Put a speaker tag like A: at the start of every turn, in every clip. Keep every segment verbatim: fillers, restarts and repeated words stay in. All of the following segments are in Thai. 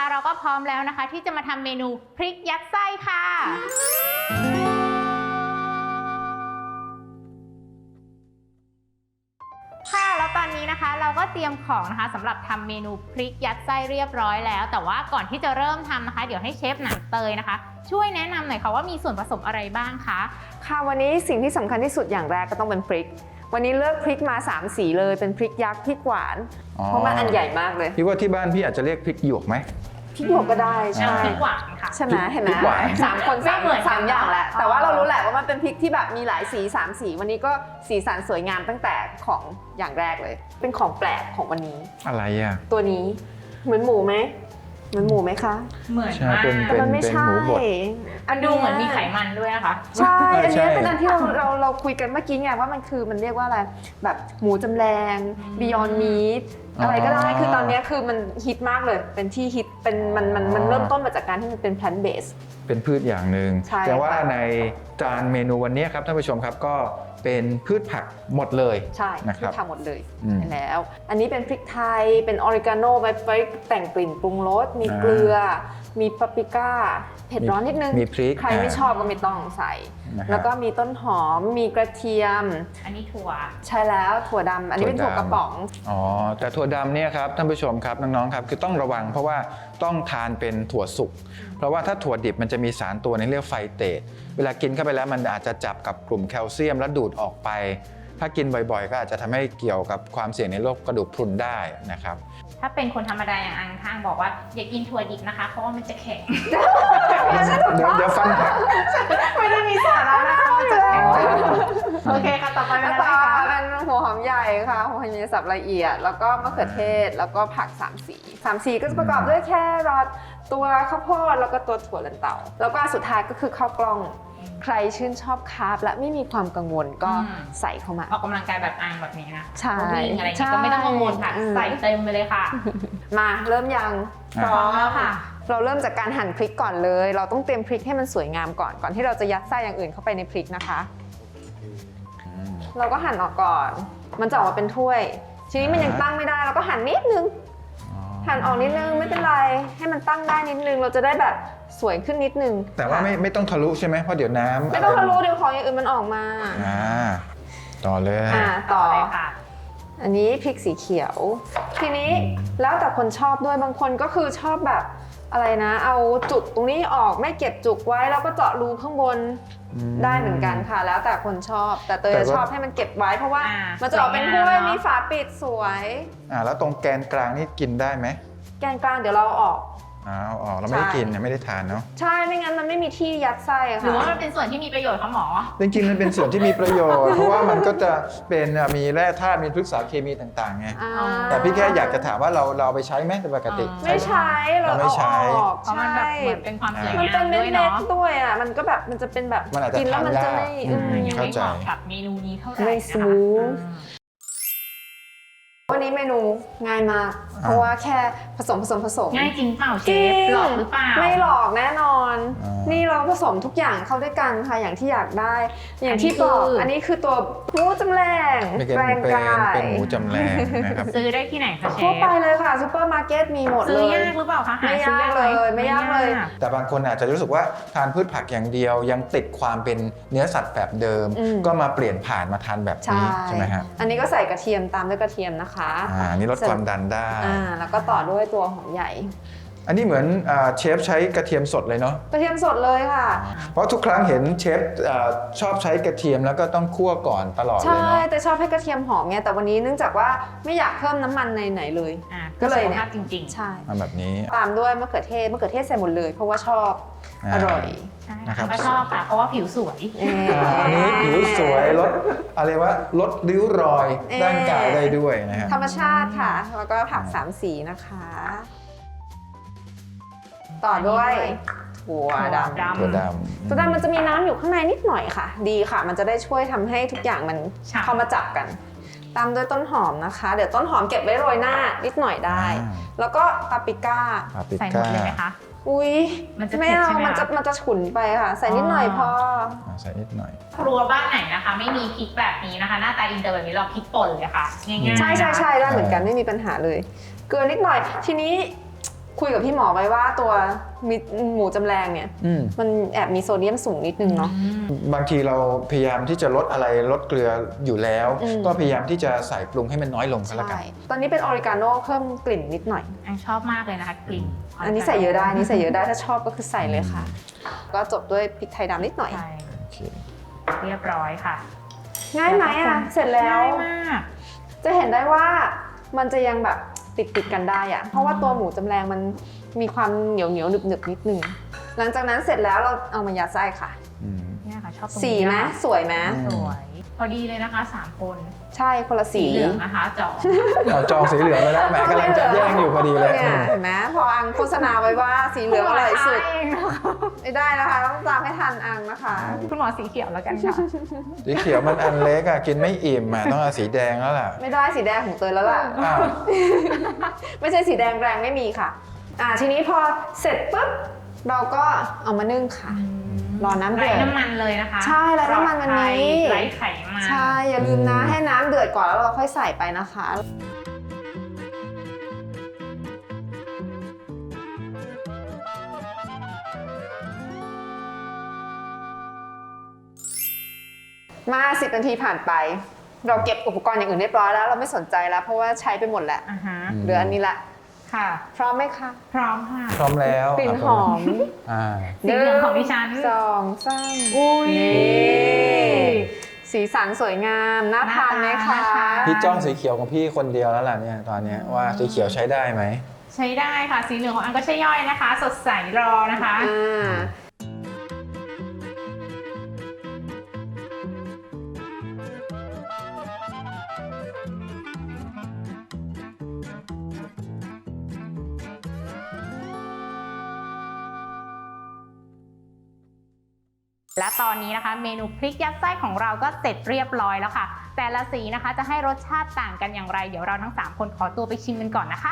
A: เราก็พร้อมแล้วนะคะที่จะมาทำเมนูพริกยัดไส้ค่ะค่ะแล้วตอนนี้นะคะเราก็เตรียมของนะคะสำหรับทำเมนูพริกยัดไส้เรียบร้อยแล้วแต่ว่าก่อนที่จะเริ่มทำนะคะเดี๋ยวให้เชฟหนังเตยนะคะช่วยแนะนำหน่อยค่ะว่ามีส่วนผสมอะไรบ้างคะ
B: ค่ะวันนี้สิ่งที่สำคัญที่สุดอย่างแรกก็ต้องเป็นพริกวันนี้เลือกพริกมาสามสีเลยเป็นพริกยักษ์พริกหวานเพราะมันอันใหญ่มากเลย
C: พี่ว่าที่บ้านพี่อาจจะเรียกพริกหยวกไหม
B: พริกหยวกก็ได้ใช่
A: พริกหวานค่ะ
B: ใช่ไหมเห็นไหมสามคนสามสามอย่างแหละแต่ว่าเรารู้แหละว่ามันเป็นพริกที่แบบมีหลายสีสามสีวันนี้ก็สีสันสวยงามตั้งแต่ของอย่างแรกเลยเป็นของแปลกของวันนี้
C: อะไรอ่ะ
B: ตัวนี้เหมือนหมูไหมเหมือนหมูไหมคะ
A: เหมือนมาก
B: แต่มันไม่ใช่
A: อันดูเหมือนมีไขมันด้วยนะคะ
B: ใช่อันนี้เป็นอันที่เราเราเราคุยกันเมื่อกี้ไงว่ามันคือมันเรียกว่าอะไรแบบหมูจำแรง Beyond Meat อะไรก็ได้คือตอนนี้คือมันฮิตมากเลยเป็นที่ฮิตเป็นมันมันมันเริ่มต้นมาจากการที่มันเป็น plant based
C: เป็นพืชอย่างหนึ่งแต่ว่าในจานเมนูวันนี้ครับท่านผู้ชมครับก็เป็นพืชผักหมดเลย
B: ใช่
C: นะครับ
B: พืชผักหมดเลยแล้วอันนี้เป็นพริกไทยเป็นออริกาโนไว้ไว้แต่งกลิ่นปรุงรสมีเกลือมีปาปริก้าเผ็ดร้อนนิดนึง
C: มีพริก
B: ใครไม่ชอบก็ไม่ต้องใส่แล้วก็มีต้นหอมมีกระเทียม
A: อันนี้ถั่ว
B: ใช่แล้วถั่วดำอันนี้เป็นถั่วกระป๋อง
C: อ๋อแต่ถั่วดำเนี่ยครับท่านผู้ชมครับน้องๆครับคือต้องระวังเพราะว่าต้องทานเป็นถั่วสุกเพราะว่าถ้าถั่วดิบมันจะมีสารตัวนึงเรียกไฟเตสเวลากินเข้าไปแล้วมันอาจจะจับกับกลุ่มแคลเซียมแล้วดูดออกไปถ้ากินบ่อยๆก็อาจจะทำให้เกี่ยวกับความเสี่ยงในโรคกระดูกพรุนได้นะครับ
A: ถ้าเป็นคนธรรมดาอย่างอังข้างบอกว่าอย่ากินถั่วดิบนะคะเพราะว่ามันจะแข็ง
C: เดี๋ยวเดี๋ยวฟังค่ะ
B: ไม่ได้มีสาระนะคะมันจะแข็ง
A: โอเคค่ะต่อไปเป็นอะไรคะ
B: เป็นหัวหอมใหญ่ค่ะหัวหอมใหญ่สับละเอียดแล้วก็มะเขือเทศแล้วก็ผักสามสีสามสีก็จะประกอบด้วยแครอทตัวข้าวโพดแล้วก็ตัวถั่วลันเตาแล้วก็สุดท้ายก็คือข้าวกล้องใครชื่นชอบคาร์บและไม่มีความกังวลก็ใส่เข้ามา
A: ออกกำลังกายแบบอังแบบนี้นะ
B: ใช่
A: วิ่งอะไรนี้ก็ไม่ต้องกังวลค่ะใส่เต็มไปเลยค่ะ
B: มาเริ่มยัง
A: พร้อมแล้วค่ะ
B: เราเริ่มจากการหั่นพริกก่อนเลยเราต้องเตรียมพริกให้มันสวยงามก่อนก่อนที่เราจะยัดไส้อย่างอื่นเข้าไปในพริกนะคะเราก็หั่นออกก่อนมันจะออกมาเป็นถ้วยทีนี้มันยังตั้งไม่ได้เราก็หั่นนิดนึงหั่นออกนิดนึงไม่เป็นไรให้มันตั้งได้นิดนึงเราจะได้แบบสวยขึ้นนิดนึง
C: แต่ว่าไม่ไม่ต้องทะลุใช่ไหมเพราะเดี๋ยวน้ำ
B: ไม่ต้องทะลุเดี๋ยวของอย่างอื่นมันออกมา
C: อ่าต่อเลย
B: อ่าต่อ
A: เลยค่ะ
B: อันนี้พริกสีเขียวทีนี้แล้วแต่คนชอบด้วยบางคนก็คือชอบแบบอะไรนะเอาจุกตรงนี้ออกไม่เก็บจุกไว้แล้วก็เจาะรูข้างบนได้เหมือนกันค่ะแล้วแต่คนชอบแต่เตยชอบให้มันเก็บไว้เพราะว่ามันจะออกเป็นถ้วยมีฝาปิดสวย
C: อ่าแล้วตรงแกนกลางนี่กินได้ไหม
B: แกนกลางเดี๋ยวเราออก
C: อ้าวออกเราไม่ได้กินไม่ได้ทานเนาะ
B: ใช่ไม่งั้นมันไม่มีที่ยัดไส้ค่ะ
A: หรือว่ามันเป็นส่วนที่มีประโยชน์คะหมอ
C: จริงๆมันเป็นส่วนที่มีประโยชน์เพราะว่ามันก็จะเป็นมีแร่ธาตุมีพฤกษเคมีต่างๆไงแต่พี่แค่อยากจะถามว่าเราเราไปใช้ไหมแต่ปกติ
B: ไม่ใช้เราไม่ใช้
A: เพราะมันแบบเหมือนเป็นความสวยงาม
B: ด้
A: วยเนาะ
B: ด้วยอ่ะมันก็แบบมันจะเป็นแบบกินแล้วมันจะไม่
A: ยังไม่เหมาะกับเมนูนี้เท่าไหร่
B: ไม่สมูทวันนี้เมนูง่ายมากเพราะว่าแค่ผสมผสมผสม
A: ง่ายจริงเปล่าเชฟหลอกหรือเปล่า
B: ไม่หลอกแน่นอนนี่เราผสมทุกอย่างเข้าด้วยกันค่ะอย่างที่อยากได้อย่างที่บอกอันนี้คือตัวหมูจำแรง
C: แรงกายเป็นหมูจำแรงนะครับ
A: ซื้อได้ที่ไหนคะเชฟ
B: ทั่วไปเลยค่ะซูเปอร์มาร์เก็ตมีหมดเลย
A: ซื้อยากหรือเปล่าคะ
B: ไม่ยากเลยไม่ยากเลย
C: แต่บางคนอาจจะรู้สึกว่าทานพืชผักอย่างเดียวยังติดความเป็นเนื้อสัตว์แบบเดิมก็มาเปลี่ยนผ่านมาทานแบบนี้ใช่ไหมฮะ
B: อันนี้ก็ใส่กระเทียมตามด้วยกระเทียมนะคะ
C: อ่านี่ลดความดันได้
B: อ่าแล้วก็ต่อด้วยตัวหอมใหญ่
C: อันนี้เหมือนเชฟใช้กระเทียมสดเลยเนาะ
B: กระเทียมสดเลยค่ะ
C: เพราะทุกครั้งเห็นเชฟชอบใช้กระเทียมแล้วก็ต้องคั่วก่อนตลอดเลยเนาะ
B: ใช่แต่ชอบให้กระเทียมหอมไงแต่วันนี้เนื่องจากว่าไม่อยากเพิ่มน้ำมันในไหนเลย
A: ก็เลยเนี่ยจริง
B: ๆใช่
C: มาแบบนี้
B: ตามด้วยมะเขือเทศมะเขือเทศใส่หมดเลยเพราะว่าชอบอร่อย
A: นะครับก็ชอบค่ะเพราะว่าผิวสวย
C: อันนี้ผิวสวยลดอะไรวะลดริ้วรอยร่างกายได้ด้วยนะฮะ
B: ธรรมชาติค่ะแล้วก็ผักสามสีนะคะต่อด้วยถั่วดำ
C: ถั่วดำ
B: ถั่วดำมันจะมีน้ำอยู่ข้างในนิดหน่อยค่ะดีค่ะมันจะได้ช่วยทำให้ทุกอย่างมันเข้ามาจับกันตามด้วยต้นหอมนะคะเดี๋ยวต้นหอมเก็บไว้โรยหน้านิดหน่อยได้แล้วก็ปาปริก้า
A: ใส่หมดเลยไหมคะ
B: อุ้ยไม่เอามันจะมันจะฉุนไปค่ะใส่นิดหน่อยพอ
C: ใส่นิดหน่อย
A: ครัวบ้านไหนนะคะไม่มีพริกแบบนี้นะคะหน้าตาอินเตอร์แบบนี้เราพริกป่นเลยค่ะง่ายๆ
B: ใช่ใช่ใช่ได้เหมือนกันไม่มีปัญหาเลยเกลือนิดหน่อยทีนี้คุยกับพี่หมอไว้ว่าตัวมิหมูจำแรงเนี่ย
C: อืม
B: มันแอบมีโซเดียมสูงนิดนึงเนาะ
C: บางทีเราพยายามที่จะลดอะไรลดเกลืออยู่แล้ว
B: อืม
C: ก็พยายามที่จะใส่ปรุงให้มันน้อยลงก็แล้วกัน
B: ใช่ตอนนี้เป็นออริกาโน่เพิ่มกลิ่นนิดหน่อย
A: อันชอบมากเลยนะคะกลิ่น
B: อันนี้ใส่เยอะได้อันนี้ใส่เยอะได้ถ้าชอบก็คือใส่เลยค่ะ ก็จบด้วยพริกไทยดำนิดหน่อย
A: ใช่
C: โอเค
A: เรียบร้อยค่ะ
B: ง่ายไหมอ่ะเสร็จแล้ว
A: ง่ายมาก
B: จะเห็นได้ว่ามันจะยังแบบติดติดๆกันได้อะเพราะว่าตัวหมูจำแรงมันมีความเหนียวเหนียวหนึบหนึบๆนิดนึงหลังจากนั้นเสร็จแล้วเราเอามายัดไส้ค่ะ
C: อืม
A: เนี่ยค่ะชอบตรง
B: สี
A: นี้
B: ไหม
A: ค่ะ
B: สวยไหม
C: อืม
A: สวย พอดีเลยนะคะสามคน
B: ใช่คนละสี
A: เหลืองนะคะจอ
C: เอาจองสีเหลืองไปแล้วแหมกำลังจะแย่งอยู่พอดีเลย
B: เนี่ยเห็นไหมพออังโฆษณาไว้ว่าสีเหลืองอร่อยสุด
A: เองนะคะ
B: ไม่ได้นะคะต้องตามให้ทันอังนะคะ
A: คุณหมอสีเขียวแล้วกันค่ะ
C: สีเขียวมันอันเล็กอะกินไม่อิ่มอะต้องเอาสีแดงแล้วล่ะ
B: ไม่ได้สีแดงของเตยแล้วล่ะ
C: อ้าว
B: ไม่ใช่สีแดงแรงไม่มีค่ะ อ่าทีนี้พอเสร็จปุ๊บเราก็เอามานึ่งค่ะ รอน้ำเดื
A: ไร้
B: อด
A: น้ำมันเลยนะคะ
B: ใช่ไร้น้ำมันวันนี้
A: ไร้ไขมัน
B: ใช่ อย่าลืมนะ
C: อืม
B: ให้น้ำเดือดก่อนแล้วเราค่อยใส่ไปนะคะ มาสิบนาทีผ่านไป เราเก็บอุปกรณ์อย่างอื่นเรียบร้อยแล้วเราไม่สนใจแล้ว เพราะว่าใช้ไปหมดแล้ว
A: อ่าฮะ
B: เหลืออันนี้ละ
A: ค่ะ
B: พร้อมไหมคะ
A: พร้อมค่ะ
C: พร้อมแล้ว
B: กลิ่นหอม
C: อ่า
A: สีเหลืองของดิฉัน
B: สองสาม
A: อุ้ย
B: นี่สีสันสวยงาม น่าทานไหม
A: น่า
B: คะ
A: ทาน
C: พี่จ้องสีเขียวของพี่คนเดียวแล้วล่ะเนี่ยตอนเนี้ยว่าสีเขียวใช้ได้ไหม
A: ใช้ได้ค่ะ สีเหลืองของอันก็ใช่ย่อยนะคะ สดใสรอนะคะ
B: อ่า
A: และตอนนี้นะคะเมนูพริกยัดไส้ของเราก็เสร็จเรียบร้อยแล้วค่ะ แต่ละสีนะคะจะให้รสชาติต่างกันอย่างไร เดี๋ยวเราทั้งสามคนขอตัวไปชิมกันก่อนนะคะ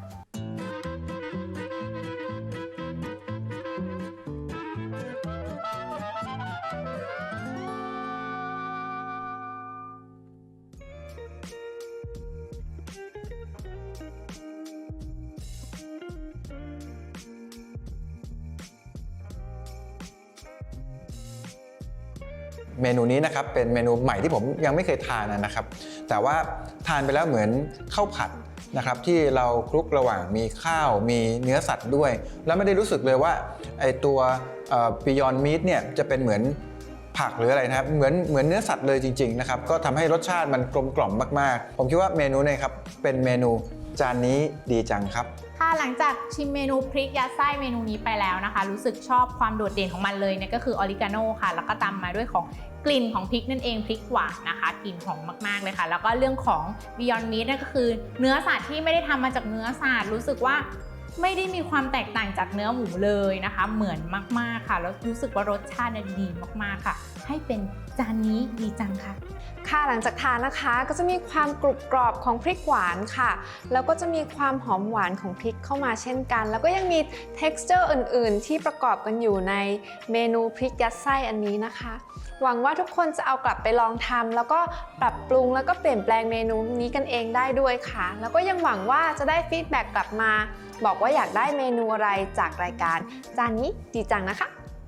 C: เมนูนี้นะครับเป็นเมนูใหม่ที่ผมยังไม่เคยทานนะครับ แต่ว่าทานไปแล้วเหมือนข้าวผัดนะครับที่เราคลุกระหว่างมีข้าวมีเนื้อสัตว์ด้วย แล้วไม่ได้รู้สึกเลยว่าไอตัว Beyond Meat เนี่ยจะเป็นเหมือนผักหรืออะไรนะครับเหมือนเหมือนเนื้อสัตว์เลยจริงๆนะครับก็ทำให้รสชาติมันกลมกล่อมมากๆผมคิดว่าเมนูนี้ครับเป็นเมนูจานนี้ดีจังครับ
A: ค่ะหลังจากชิมเมนูพริกยัดไส้เมนูนี้ไปแล้วนะคะ รู้สึกชอบความโดดเด่นของมันเลยเนี่ยก็คือออริกาโน่ค่ะแล้วก็ตามมาด้วยของกลิ่นของพริกนั่นเองพริกหวานนะคะกลิ่นหอมมากๆเลยค่ะแล้วก็เรื่องของ Beyond Meat นั่นก็คือเนื้อสัตว์ที่ไม่ได้ทำมาจากเนื้อสัตว์รู้สึกว่าไม่ได้มีความแตกต่างจากเนื้อหมูเลยนะคะ เหมือนมากๆค่ะแล้วรู้สึกว่ารสชาติเนี่ยดีมากๆค่ะ ให้เป็นจานนี้ดีจังค่ะ
B: ค่ะหลังจากทานนะคะก็จะมีความกรุบกรอบของพริกหวานค่ะแล้วก็จะมีความหอมหวานของพริกเข้ามาเช่นกัน แล้วก็ยังมี texture อื่นๆ ที่ประกอบกันอยู่ในเมนูพริกยัดไส้อันนี้นะคะ หวังว่าทุกคนจะเอากลับไปลองทำแล้วก็ปรับปรุงแล้วก็เปลี่ยนแปลงเมนูนี้กันเองได้ด้วยค่ะ แล้วก็ยังหวังว่าจะได้ฟีดแบ็กกลับมา บอกว่าอยากได้เมนูอะไรจากรายการจานนี้ดีจังนะคะ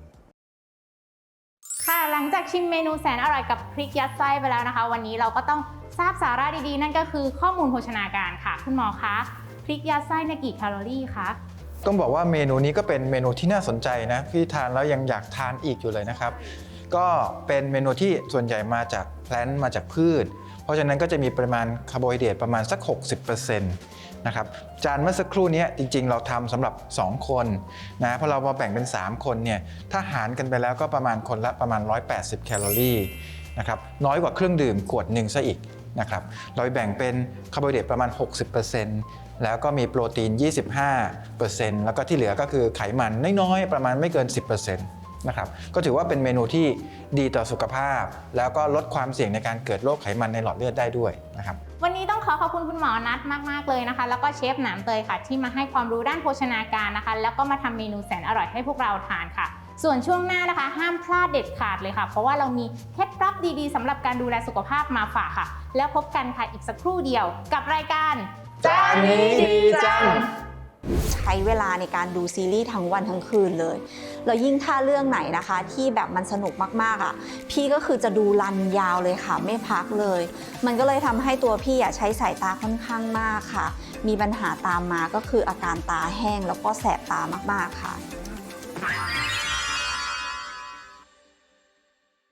A: ค่ะหลังจากชิมเมนูแสนอร่อยกับพริกยัดไส้ไปแล้วนะคะ วันนี้เราก็ต้องทราบสาระดีๆ นั่นก็คือข้อมูลโภชนาการค่ะคุณหมอคะพริกยัดไส้ในกี่แคลอรี่คะ
C: ต้องบอกว่าเมนูนี้ก็เป็นเมนูที่น่าสนใจนะพี่ทานแล้วยังอยากทานอีกอยู่เลยนะครับก็เป็นเมนูที่ส่วนใหญ่มาจากแพลนต์มาจากพืช เพราะฉะนั้นก็จะมีปริมาณคาร์โบไฮเดรตประมาณสัก หกสิบเปอร์เซ็นต์ นะครับจานเมื่อสักครู่นี้จริงๆเราทำสำหรับสองคนนะพอเรามาแบ่งเป็นสามคนเนี่ยถ้าหารกันไปแล้วก็ประมาณคนละประมาณหนึ่งร้อยแปดสิบแคลอรี่นะครับน้อยกว่าเครื่องดื่มขวดหนึ่งซะอีกนะครับเราแบ่งเป็นคาร์โบไฮเดรตประมาณ หกสิบเปอร์เซ็นต์ แล้วก็มีโปรตีน ยี่สิบห้าเปอร์เซ็นต์ แล้วก็ที่เหลือก็คือไขมันน้อยๆประมาณไม่เกิน สิบเปอร์เซ็นต์ นะครับก็ถือว่าเป็นเมนูที่ดีต่อสุขภาพแล้วก็ลดความเสี่ยงในการเกิดโรคไขมันในหลอดเลือดได้ด้วยนะครับ
A: วันนี้ต้องขอขอบคุณคุณหมอนัทมากๆเลยนะคะแล้วก็เชฟหนามเตยค่ะที่มาให้ความรู้ด้านโภชนาการนะคะแล้วก็มาทำเมนูแสนอร่อยให้พวกเราทานค่ะส่วนช่วงหน้านะคะห้ามพลาดเด็ดขาดเลยค่ะเพราะว่าเรามีเคล็ดลับดีๆสำหรับการดูแลสุขภาพมาฝากค่ะแล้วพบกันค่ะอีกสักครู่เดียวกับรายการ
C: จานนี้ดีจัง
D: ช้เวลาในการดูซีรีส์ทั้งวันทั้งคืนเลยแล้วยิ่งถ้าเรื่องไหนนะคะที่แบบมันสนุกมากๆอ่ะพี่ก็คือจะดูรันยาวเลยค่ะไม่พักเลยมันก็เลยทำให้ตัวพี่อ่ะใช้สายตาค่อนข้างมากค่ะมีปัญหาตามมาก็คืออาการตาแห้งแล้วก็แสบตามากๆค่ะ